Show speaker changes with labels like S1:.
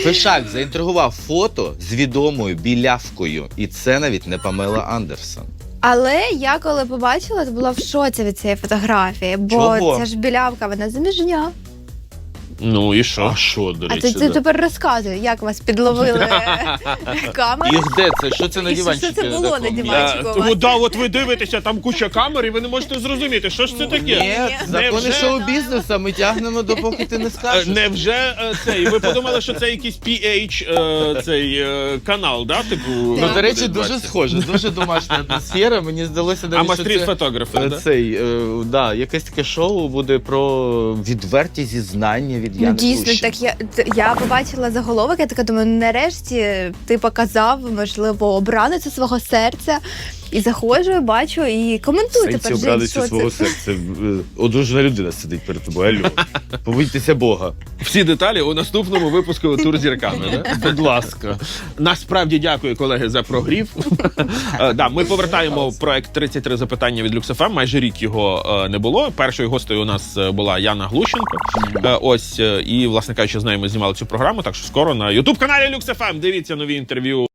S1: Фишак заінтригував фото з відомою білявкою. І це навіть не Памела Андерсон.
S2: Але я коли побачила, то була в шоці від цієї фотографії, бо
S1: Чого?
S2: це ж білявка, вона заміжня.
S3: Ну і що?
S1: А що, до
S2: А
S1: речі?
S2: ти тепер розказуй, як вас підловили камери?
S1: І де це? Що це на
S2: І
S1: диванчику?
S2: що це було на
S1: такому?
S2: диванчику?
S3: Тому, да, от ви дивитеся, там куча камер, і ви не можете зрозуміти, що ж це таке.
S1: Ні, закони
S3: Невже?
S1: шоу-бізнесу ми тягнемо, допоки ти не скажеш.
S3: Невже цей? Ви подумали, що це якийсь PH канал, да? Типу,
S1: Ну, до речі,
S3: буде
S1: дуже
S3: 20.
S1: схоже, дуже домашня атмосфера. Мені здалося
S3: А
S1: навіть, що
S3: Мастріт
S1: це
S3: фотографи, да?
S1: да, якесь таке шоу буде про відверті зізнання від
S2: Ну,
S1: Яни
S2: дійсно,
S1: Глущенко.
S2: так я побачила заголовок, я така думаю, нарешті ти показав, можливо, обраницю свого серця. І заходжу, і бачу, і коментую тепер. Жень,
S1: обрадуйся
S2: що
S1: свого
S2: це?
S1: серця. Одружена людина сидить перед тобою. Алло. Побойтеся Бога.
S3: Всі деталі у наступному випуску «Тур зірками». Да?
S1: Будь ласка.
S3: Насправді дякую, колеги, за прогрів. Да, ми повертаємо проект «33 запитання» від Люкс.ФМ. Майже рік його не було. Першою гостею у нас була Яна Глущенко. Ось, і, власне кажучи, з нею ми знімали цю програму. Так що скоро на YouTube-каналі Люкс.ФМ дивіться нові інтерв'ю.